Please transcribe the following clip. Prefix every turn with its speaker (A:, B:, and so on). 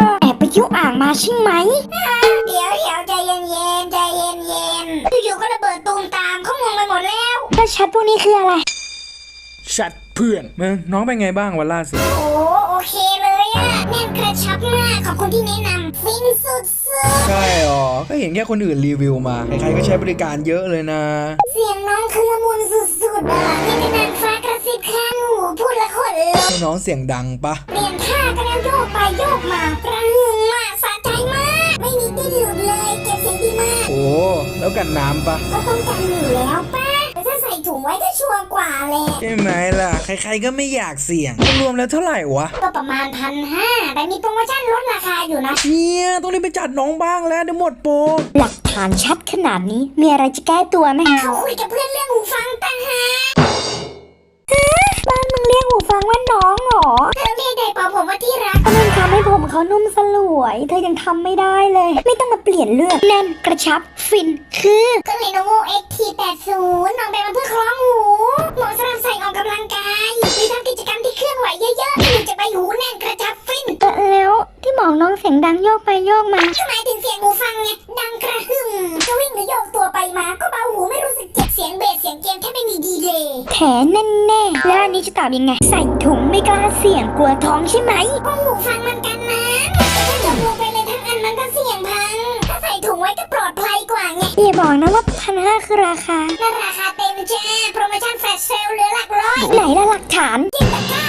A: แอบไปเที่ยวอ่างมาใช่ไหม
B: เดี๋ยวใจเย็นอยู่ๆก็ระเบิดตูมตามเขางงไปหมดแล้ว
A: แล้วชัดพวกนี้คืออะไร
C: ชัดเพื่อนมึงน้องเป็นไงบ้างวันล่าสุด
B: โอเคเลยอะแน่นกระชับมากขอบคุณที่แนะนำฟินสุด
C: ใช่หรอก็เห็นแค่คนอื่นรีวิวมาใครๆก็ใช้บริการเยอะเลยนะ
B: เสียงน้องคือละมุนสุดๆอะนี่เป็นนางฟ้ากระซิบข้างหูพูดละคนเลย
C: น้องเสียงดังปะ
B: เปลี่ยนท่าก็แล้วโยกไปโยกมาประหึ่งมากสะใจมากไม่มีดิ้นหลุดเลยเก็บเสียงดีมาก
C: โอ้แล้วกันน้ำปะ
B: ก็ต้องกันอยู่แล้วป้าแต่ถ้าใส่ถุงไว้ก็ชัวร์กว่าเลย
C: ใช่ไหมล่ะใครๆก็ไม่อยากเสี่ยงรวมแล้วเท่าไหร่วะ
B: ก็ประมาณ1,500แต่มีโปรโมชั่นลดราคาอยู่นะ
C: เนี่ยต้องรีบไปจัดน้องบ้างแล้วเดี๋ยวหมดโปร
A: หลักฐานชัดขนาดนี้มีอะไรจะแก้ตัวไหม
B: เขาคุยกับเพื่อนเรื่องหูฟังต่างหาก
A: บ้านมึงเรียกหูฟังว่าน้องเหรอ
B: เธอเรียกได้เปล่าผมว่าที่รัก
A: ก็มันทำให้ผมเขานุ่มสลวยเธอยังทำไม่ได้เลยไม่ต้องมาเปลี่ยนเลือกแน่นกระชับฟินคือ
B: ก็ Lenovo XT80 น้องแบบมันเพื่อคล้องหูเหมาะสำหรับใส่ออกกำลังกายหรือทำกิจกรรมที่เคลื่อนไหวเยอะๆที่จะไปหูแน่นกระชับฟิน
A: แล้วที่บอกน้องเสียงดังโยกไปโยกมา
B: หมายถึงเสียงหูฟังไงดังกระหึ่มจะวิ่งหรือโยกตัวไปมาก็เบาหูไม่รู้สึกเจ็บเสียงเบสเสียงเกมแทบไม่มีดีเลย
A: แผลแน่ๆแล้วอันนี้จะตอบยังไงใส่ถุงไม่กล้าเสี่ยงกลัวท้องใช่ไหม
B: ก็หูฟังมันกันน้ำแต่ถ้าจมลงไปเลยทั้งอันมันก็เสี่ยงพังถ้าใส่ถุงไว้ก็ปลอดภัยกว่าไง
A: อย่าบอกนะว่า1,500คือราคา
B: นั่นราคาเต็มจ้าโปรโมชั่นแฟลชเซลเหลือหลักร้อย
A: ไหนล่ะหลักฐาน
B: จิ้มตะกร้า